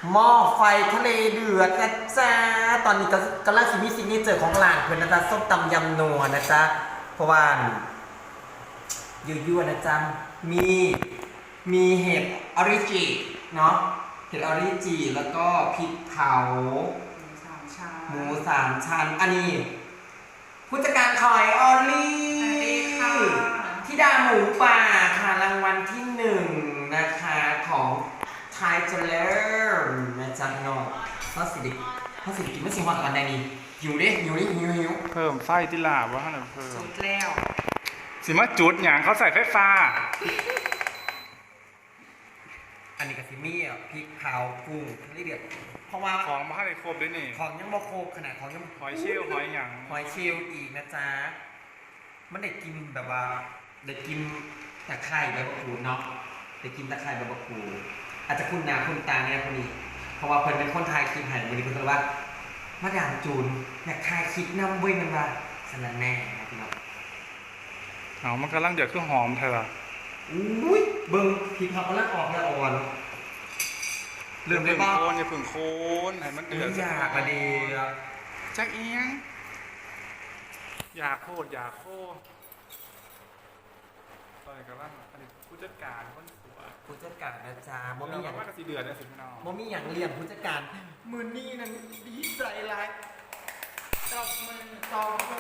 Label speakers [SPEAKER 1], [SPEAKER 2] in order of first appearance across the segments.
[SPEAKER 1] หม้อไฟทะเลเดือดนะจ๊ะตอนนี้ก็กำลังซิมีซิกเนเจอร์ของร้านเพื่อนนะจ๊ะส้มตำยำนัวนะจ๊ะเพราะว่ายั่วๆนะจ๊ะมีเห็ดออริจิเนาะเห็ดออริจิแล้วก็พริกเผาหมูสามชั้นอันนี้ผู้จัดการคอยออลลี่ที่ดาหมูป่าค่ะรางวัลที่หนึ่งนะคะของไทยเจริญนะจ๊ะน้องเขาสิกินไม่สิหวานกันใดนี่หิวดิหิว
[SPEAKER 2] เพิ่มไฟที่ลาบว่าขนาดเพิ่ม
[SPEAKER 3] สุดแล้ว
[SPEAKER 2] สิมาจุดอย่างเขาใส่ไฟฟ้า
[SPEAKER 1] อันนี้กับซิมี่อ่ะพริกเผากุ้งทะเลเดือดเพราะว่า
[SPEAKER 2] ของมาให้ครบด้วยนี่
[SPEAKER 1] ของยังบ่โคกขนาดของยัง
[SPEAKER 2] หอยเชลล์หอยหยัง
[SPEAKER 1] หอยเชลล์อีกนะจ๊ะมันได้กินแบบว่าได้กินตะไคร้ใบมะกรูดเนาะได้กินตะไคร้ใบมะกรูดอาจจะคุ้นหน้าคุ้นตาเนี่ยคนนี้เพราะว่าเพิ่นเป็นคนไทยคลิปให้วันนี้เพิ่นก็เลยว่ามาดามจูนอยากถ่ายคลิปนำเว้ยมันว่าสนั่นแน่นะพี่น้อง
[SPEAKER 2] เอามันกำลังเดือดคือหอมเธอ
[SPEAKER 1] อุ้ยเบิ่งพริกเขากำลังออกแล้วอ่อนเริ่มได้บ้าง
[SPEAKER 2] อย่าพึ่งโคนให้มันเดือด
[SPEAKER 1] อยากมาดี
[SPEAKER 2] จักเอียงอยากโคตรต่อยกับว่าอันนี้ผู้จัดการคนสวย
[SPEAKER 1] ผู้จัดการนะจ๊ะบ่
[SPEAKER 2] เรา
[SPEAKER 1] มีอย่าง
[SPEAKER 2] ว่ากระสีเดือดเนี่ยสิพี่น้อง
[SPEAKER 1] บ่มีอย่างเลี้ยงผู้จัดการมือนี่นั้นดีใจหลาย
[SPEAKER 3] ตบมือ
[SPEAKER 1] ต่อ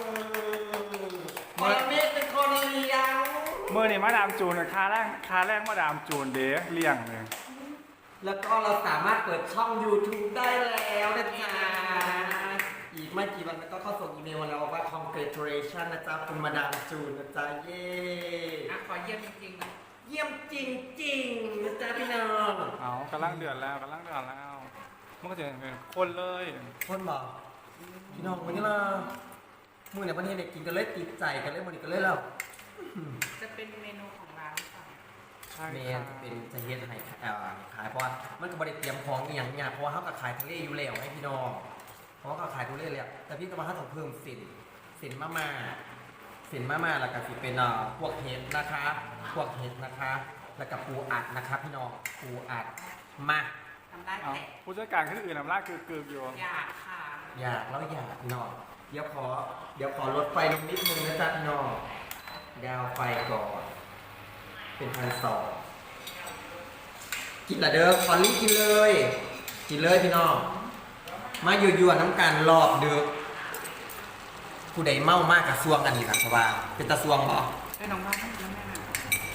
[SPEAKER 1] คนนี้เป็นคนเลี้ยง
[SPEAKER 2] เมื่อนี่มาดามจูนค่าแรกมาดามจูนเด้เลี้ยงเลย
[SPEAKER 1] แล้วก็เราสามารถเปิดช่อง YouTube ได้แล้วนะจ๊ะอีกไม่กี่วันก็เข้าส่งอีเมลมาแล้วว่า congratulation นะจ๊ะคุณมาดามจูนนะจ๊ะเย้
[SPEAKER 3] อ่ะขอเยี่ยมจริงๆนะ
[SPEAKER 1] เยี่ยมจริงๆนะจ๊ะพี่น้อง
[SPEAKER 2] เอากำลังเดือดแล้วมันก็จะเป็นคนเลย
[SPEAKER 1] คนบอกพี่น้องวันนี้เรามือในประเทศเนี่ยกินกันเลยติดใจกันเลยมันกันเลยแล้ว
[SPEAKER 3] จะเป็นเมนูของร้านหรือเปล่า
[SPEAKER 2] ใช่
[SPEAKER 1] เม
[SPEAKER 2] ค่ะ
[SPEAKER 1] นจะเป็นจะเฮ็ดให้ขายเพราะว่ามันก็บริเตรียมของอย่างเนี่ยเพราะว่าเขาก็ขายทะเลอยู่แล้วให้พี่น้องเพราะว่าเขาขายทะเลเลยอะแต่พี่ก็มาให้ต้องเพิ่มสินมาแล้วก็สิเป็นพวกเห็ดนะคะแล้วก็ปูอัดนะคะพี่น้องปูอัดมา
[SPEAKER 3] ทำได้
[SPEAKER 2] เอา
[SPEAKER 3] แต่
[SPEAKER 2] ผู้จัดการคนอื่นน้ำลายเกือบอยู่
[SPEAKER 3] อยากค่ะ
[SPEAKER 1] อยากพี่น้องเดี๋ยวขอลดไฟลงนิดนึงนะจ๊ะพี่น้องดาวไฟก่อนเป็น1,200กินละเด้อคอลลี่กินเลยพี่น้องมายั่วๆน้ำกันรอบเด้อผู้ใดเมามากกับซวงอันนี้ครับเพราะว่าเป็นตะซวงบ่
[SPEAKER 3] ให้น้องบ้านแล้วแม่น่ะ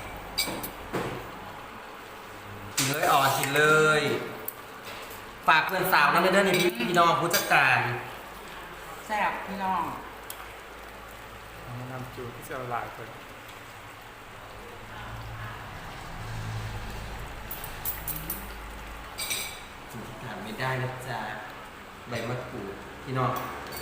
[SPEAKER 1] กินเลยกินเลยฝากเพื่อนสาวนั่นเด้อนี่พี่น้องผู้จัดการ
[SPEAKER 3] แซ่บพี่น้อง
[SPEAKER 2] น้ำจูที่จะละลายไป
[SPEAKER 1] สิ่งที่ขาดไม่ได้นะจ๊ะใบมะกรูดพี่น้อง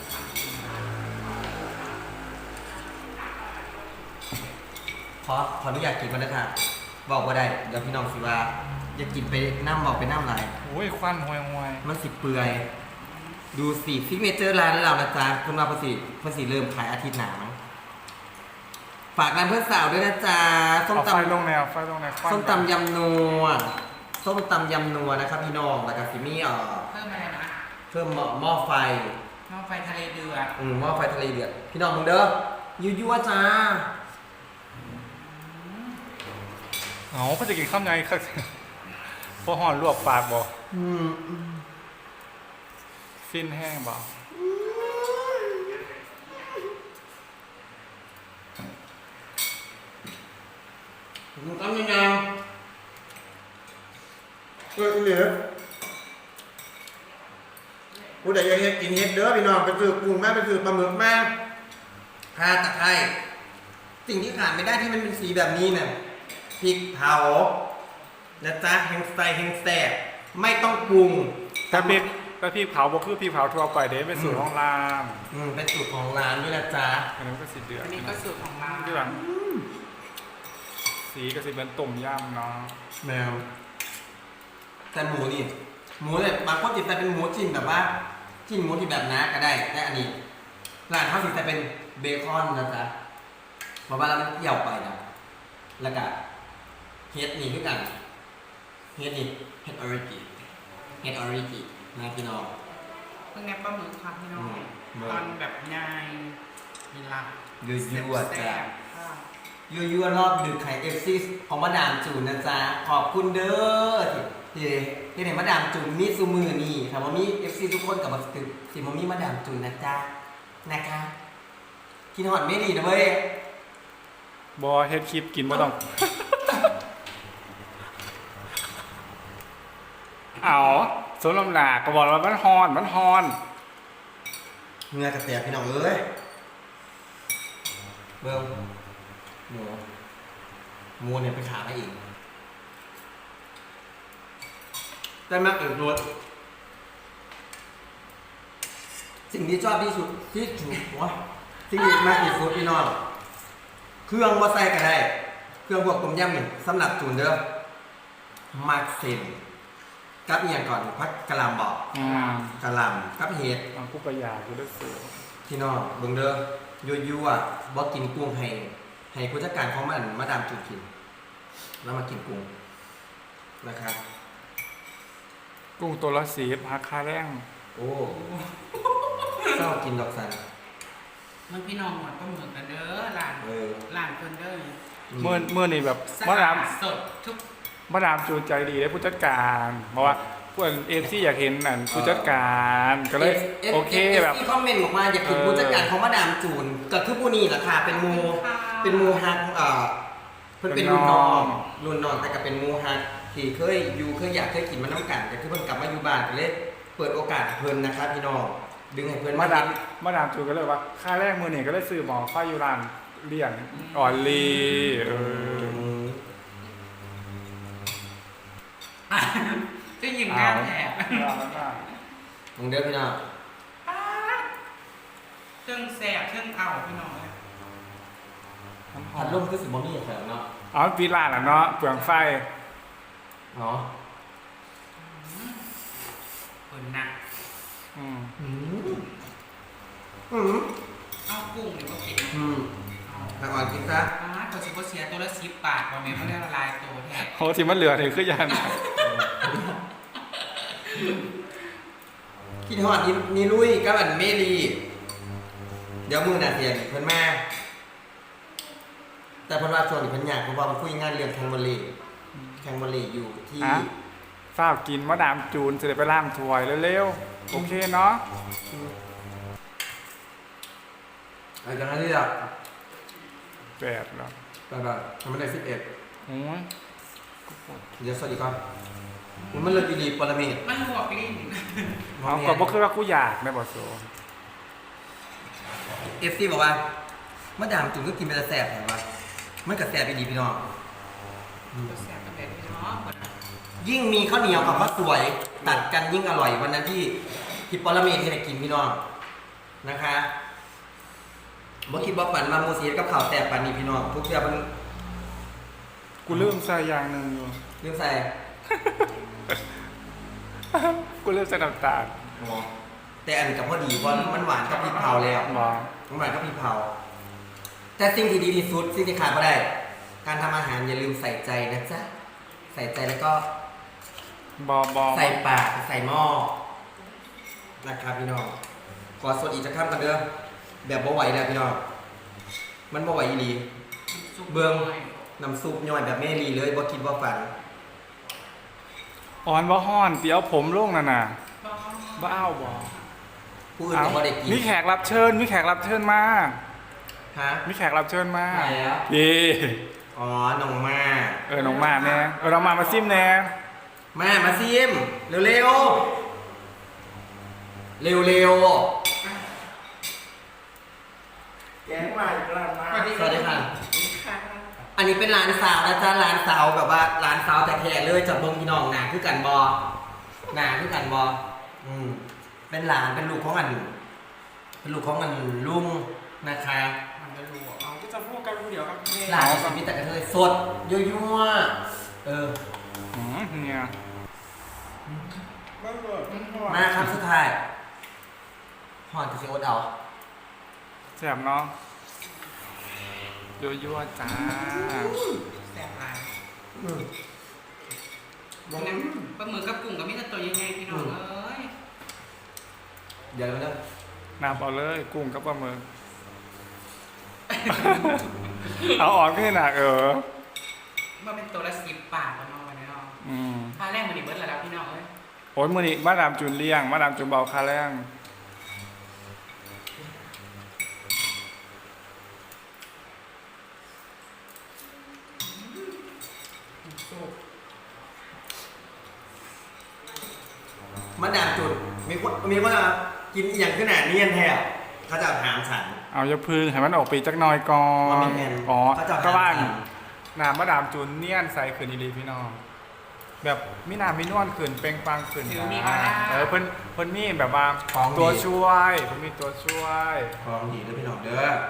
[SPEAKER 1] ขออนุญาตกินมันนะคะบอกว่าได้เดี๋ยวพี่น้องสิว่าอยากกินไปน้ำบอกไปน้ำลาย
[SPEAKER 2] โอ้ยควันห่วย
[SPEAKER 1] มันสิเปื่อยดูสิซิกเนเจอร์ร้านเรานะจ๊ะคุณมาประสิทธิ์เริ่มขายอาทิตย์หน้ามั้งฝากร้านเพื่อนสาวด้วยนะจ๊ะส้ม
[SPEAKER 2] เอา
[SPEAKER 1] ตำ
[SPEAKER 2] ไฟลงแนวควัน
[SPEAKER 1] ส้มตำยำนัวนะครับพี่น้องแล้วก็ซิมี่
[SPEAKER 3] เพิ่มอะไรนะ
[SPEAKER 1] เพิ่มหม้อไฟ
[SPEAKER 3] หม้อไฟทะเลเดือด
[SPEAKER 1] หม้อไฟทะเลเดือดพี่น้องมึงเด้อยั่วๆจ้า
[SPEAKER 2] เอาเขาจะกินข้าวไงครับพอห่อนลวกปากบอกฟินแห้งบอก
[SPEAKER 1] มึงทำยังไงเหลือผู้ใดอยากกินเห็ดเด้อพี่น้องไปซื้อกุ้งแม่ไปซื้อปลาหมึกแม่ข่าตะไคร้สิ่งที่ขาดไม่ได้ที่มันเป็นสีแบบนี้เนี่ยพริกเผานะจ๊ะแห้งใส่แห้งแซ่บไม่ต้องปรุง
[SPEAKER 2] แต่พี่เผาบอกคือพี่เผาทั่วไปเด้เป็นสูตรของร้าน
[SPEAKER 1] เป็นสูตรของร้านด้วยนะจ๊ะ
[SPEAKER 2] อันนี้ก็สีเดือด
[SPEAKER 3] อันนี้ก็สูตรของร้าน
[SPEAKER 2] ที่หลังสีก็สีเป็นต้มยำเนาะ
[SPEAKER 1] แมวแต่หมูนี่หมูเนี่ยบางคนติดแต่เป็นหมูชิ้นแบบว่าชิ้นหมูที่แบบน้าก็ได้แต่อันนี้ร้านเขาติดแต่เป็นเบคอนนะจ๊ะเพราะว่าเรามันเกี่ยวไปนะแล้วก็เฮ็ดนี่คือกันเฮ็ดนี่เฮ็ดออริจิเห็ดออริจินะพี่น้อง
[SPEAKER 3] เพิ่งแนบปลาหมึกครับพี่น้อง
[SPEAKER 1] อืม
[SPEAKER 3] ตอนแบบนายมีหลัก
[SPEAKER 1] ยั่วๆ
[SPEAKER 3] แซ่
[SPEAKER 1] จ้ะ
[SPEAKER 3] บๆค่ะ
[SPEAKER 1] ยั่วๆรอบดึกไข่เอฟซีของมาดามจูนนะจ๊ะขอบคุณเด้อที่ไหนมาดามจูนมีซูมือนี่ถามว่ามีเอฟซีทุกคนกับมาตึกสิมามีมาดามจูนนะจ๊ะนะคะกินหอดไม่ดีนะเว้ย
[SPEAKER 2] บอเฮ็ดคลิปกินบ่ต้อง เอาสมลำหนาก็บอกว่ามันฮอนมันฮอน
[SPEAKER 1] เงือกระแตกพี่น้องเอ้ยเบิ้งหมูเนี่ยไปขามาอีกได้มากเกินรสสิ่งที่ชอบที่สุดที่ถูกวะสิ่งที่มากที่สุดพี่น้องเครื่องว่าใส่ก็ได้เครื่องพวกต้มยำนี่สำหรับจูนเด้อมักเส้นกับอีกอย่างก่อนพักกะหล่ำบอก กะหล่ำกับเห็ด
[SPEAKER 2] มันกูประหยัดกูได้เสือ
[SPEAKER 1] พี่น้องเบิ่งเด้อยั่วๆบ่กินกุ้งให้ผู้จัดการของมันมาดามจูนกินแล้วมากินกุ้งนะครับ
[SPEAKER 2] กุ้งตัวละ10ราคาแรง
[SPEAKER 1] โอ้เศร้ากินดอกสัน
[SPEAKER 3] มันพี่น้องหมดปลาหมึกกันเด้อหลาน
[SPEAKER 1] เออ
[SPEAKER 3] หลานเพิ่นเด้อ
[SPEAKER 2] เมื่อนี่แบบ
[SPEAKER 3] สะ
[SPEAKER 2] มา
[SPEAKER 3] อา
[SPEAKER 2] ดาม
[SPEAKER 3] ดสดทุก
[SPEAKER 2] มาดามจูนใจดีได้ผู้จัดการเพราะว่าพวกเอฟซีอยากเห็นนั่นผู้จัดการก็เลยโอเคแบบ
[SPEAKER 1] ที่คอมเมนต์บอกว่าอยากกินผู้จัดการของมาดามจูนก็คือผู้นี้แหละค่ะเป็นหมูฮักเพิ่นเป็นรุ่นน้องแต่ก็เป็นหมูฮักที่เคยอยากเคยกินมาน้ำกันแต่คือเพิ่นกลับมาอยู่บ้านก็เลยเปิดโอกาสให้เพิ่นนะครับพี่น้องดึงให้เพิ่น
[SPEAKER 2] มาดามจูนก็เลยว่าค่าแรกมือนี่ก็เลยซื้อหมอฝ้ายยูรานเลี่ยงอ่อนลี
[SPEAKER 3] จะหยิบงานแถบ
[SPEAKER 1] มึงเด้อพี่น้อง
[SPEAKER 3] เครื่องแสบเครื่องเอาพี่น้องเลย
[SPEAKER 1] พัดลมคือสิบ่มีแถวเนาะ
[SPEAKER 2] อ๋อปีลานอ่ะเนาะเปลืองไฟ
[SPEAKER 1] เนาะ
[SPEAKER 3] เปิดหนัก
[SPEAKER 2] อืม
[SPEAKER 3] เอากุ้งหรือว่ากิน
[SPEAKER 1] แต่อ่อนกินซะ
[SPEAKER 3] ตัวชิโกเซียตัวละ10 บาทบอเมนไม่ได้ละลายตัวแทบ
[SPEAKER 2] โหที่มันเหลือเนี่ยคือยัน
[SPEAKER 1] คิดฮอดนี่ลุยกับอันเมลีเดี๋ยวมือน่ะเสียนเพิ่นมาแต่เพิ่นว่าช่วงนี้เพิ่นอยากเพราะว่ามันคุยงานเรื่องแข่งวอลเลย์อยู่ที่
[SPEAKER 2] ฝ้าวกินมาดามจูนจะได้ไปล่างถวยเร็วๆโอเคเนาะ
[SPEAKER 1] อะไรกันนะที่ละ
[SPEAKER 2] 8แล้ว
[SPEAKER 1] ไปทำมันได้11
[SPEAKER 2] โอ้ย
[SPEAKER 1] เดี๋ยวสวัสดีก่อนมันเลยดีปรเมศ
[SPEAKER 3] มันหัวกลิ้น
[SPEAKER 2] เอาก็บ่คือว่ากูอยากในบ่โซ
[SPEAKER 1] FC บอกว่ามาดามจุ่มก็กินเป็นแสบแถมว่ามันก็แสบดีพี่น้อง
[SPEAKER 3] แสบกันแบบนี้เนาะ
[SPEAKER 1] ยิ่งมีข้าวเหนียวกับข้าวสวยตัดกันยิ่งอร่อยวันนั้นที่ปรเมศที่ได้กินพี่น้องนะคะบ่คิดว่าฝันมาโมเสียกับข่าวแสบปานนี้พี่น้องทุกอย่างมัน
[SPEAKER 2] กูลืมใส่อย่างหนึงอยู่
[SPEAKER 1] เรื่องใส่
[SPEAKER 2] กูลืมใส่น้ำตาล
[SPEAKER 1] แต่อันกับพอดีเพราะมันหวานกับพริกเผาแล้ว
[SPEAKER 2] บ่
[SPEAKER 1] มันหวานกับพริกเผาแต่สิ่งที่ดีที่สุดสิ่งที่ขาดไม่ได้ การทำอาหารอย่าลืมใส่ใจนะจ๊ะใส่ใจแล้วก็
[SPEAKER 2] บ่
[SPEAKER 1] ใส่ปากใส่หม้อนะครับพี่น้องขอสดอีกจะข้ามกันเด้อแบบบ่ไหวแล้วพี่น้องมันบ่ไหวอีหลีเบิ่งน้ำซุปย่อยแบบแม่ลีเลยบ่คิดว่าฝัน
[SPEAKER 2] อ่อนบ่ฮ้อนเดี๋ยวผมลงนั่นน่ะบ้าวบ่
[SPEAKER 1] ผู้อื่นก็บ่ได้กิน
[SPEAKER 2] มีแขกรับเชิญมา
[SPEAKER 1] ฮะ
[SPEAKER 2] มีแขกรับเชิญมา
[SPEAKER 1] ไหนอ่ะ
[SPEAKER 2] เย่
[SPEAKER 1] อ๋อน้องมา
[SPEAKER 2] น้องมาแน่น้องมาซิมแน่
[SPEAKER 1] มาซิมเร็วๆเร็วแกงมาอีกแล้วมาสวัสดีค่ะ อันนี้เป็นร้านสาวนะจ๊ะร้านสาวแบบว่าร้านสาวแต่แท้ๆเลยจากเมืองพี่น้องหนาคือกันบอเป็นหลานเป็นลูกของอันลุงนะคะ
[SPEAKER 3] มันจะรู้เอาก็จะพูดกันเดี๋ยวกับแม่
[SPEAKER 1] หลานสิมีแต่กระเทยสดยั่วๆ
[SPEAKER 2] เนี่ย
[SPEAKER 1] มาครับสุดท้ายหอนกับซีโอ๊ตเอา
[SPEAKER 2] แซ่บเนาะยั่วๆจ้า
[SPEAKER 3] แสบลายปลาหมึกกับกุ้งกับมิตรตัวยังไงพี่น้องเอ้ย
[SPEAKER 1] เดี๋ยวนะ
[SPEAKER 2] นับเอาเลยกุ้งกับปลาหมึก เอาออกขึ้นหนัก
[SPEAKER 3] มันเป็นตัวละ10 บาทประมาณนี้เนาะ
[SPEAKER 2] อืม
[SPEAKER 3] ค่าแรกมันอีกเบิร์ดแล้วพี่น้องเอ้ย
[SPEAKER 2] โอ้ยมือนี้มาดามจูนเลี้ยงมาดามจูนเบาคาแรง
[SPEAKER 1] มาดามจุดมีคนมากินอหย่างขนาดนี้แทบเขาจะถามฉัน
[SPEAKER 2] เอาอย่าพึ่งให้มันออกปีจักหน่อยก่อ
[SPEAKER 1] ว่าน ไม่แม่น
[SPEAKER 2] อ๋อ
[SPEAKER 1] เขาจะ
[SPEAKER 2] ก็ว่าง
[SPEAKER 1] หา
[SPEAKER 2] น้ำมาดามจูนเนียนใส่ขืนอีหลีพี่น้อง แบบมีน้ำมีนวลขืนเปล่งปลังขืนเพิ่นมีแบบว่าตัวช่วยเพิ่นมีตัวช่วย
[SPEAKER 1] ของดีด้วยพี่น้องเด้อ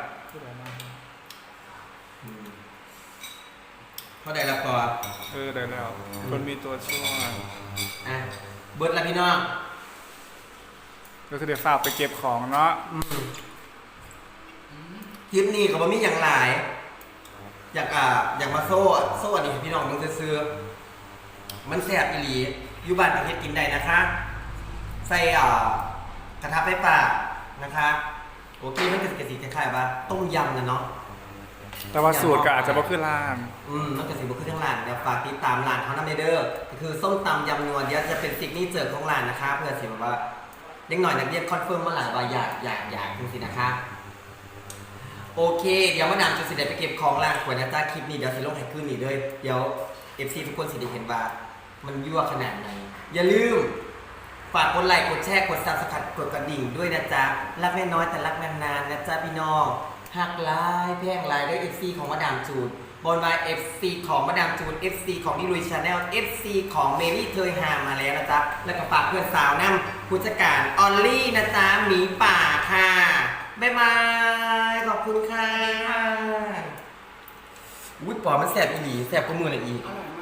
[SPEAKER 1] เขาได้รับก่อน
[SPEAKER 2] ได้แล้วเพิ่นมีตัวช่วย
[SPEAKER 1] อ่ะเบิร์ดแล้วพี่น้อง
[SPEAKER 2] ก็คือเดี๋ยวฝากไปเก็บของเนาะ
[SPEAKER 1] คลิปนี้ก็บ่มีอย่างหลาย อยากมาโซ่อันนี้ให้พี่น้องมึงซื้อๆมันแซ่บอีหลีอยู่บ้านประเทศกินได้นะคะ ใส่กระทะไฟป่านะคะ โอเคมันก็สิคล้ายๆว่าต้มยำนะเนาะ
[SPEAKER 2] แต่ว่าสูตรก็อาจจะบ่คือร้าน
[SPEAKER 1] มันก็สิบ่คือทั้งร้านเดี๋ยวฝากติดตามร้านเขานำเด้อก็คือส้มตำยำนัวเดี๋ยวจะเป็นซิกเนเจอร์ของร้านนะคะ เพื่อสิแบบว่าเด็กหน่อยนักเรียนคอนเฟิร์มมาหลายว่าอยากจังซี่นะคะ โอเค เดี๋ยวมาดามจะสิได้ไปเก็บของล้างขวดนะจ้าคลิปนี้เดี๋ยวสิลงให้ขึ้นนี่เลยเดี๋ยว FC ทุกคนสิได้เห็นว่ามันยั่วขนาดไหนอย่าลืมฝากกดไลค์กดแชร์กด Subscribe กดกระดิ่งด้วยนะจ๊ะรักแม่น้อยแต่รักนานๆนะจ๊ะพี่น้องหักหลายแพงหลายด้วย FC ของมาดามจูนบนไว้ FC ของมาดามจูน FC ของนิลุยชาแนล FC ของเมรี่เทยฮามาแล้วนะจ๊ะแล้วก็ฝากเพื่อนสาวนำผู้จัดการออลลี่นะจ๊ะหมีป่าค่ะบ๊ายบายขอบคุณค่ะอุ้ยปอมันแสบอีหลีแสบกว่ามือเลยอีก
[SPEAKER 3] อร่อยม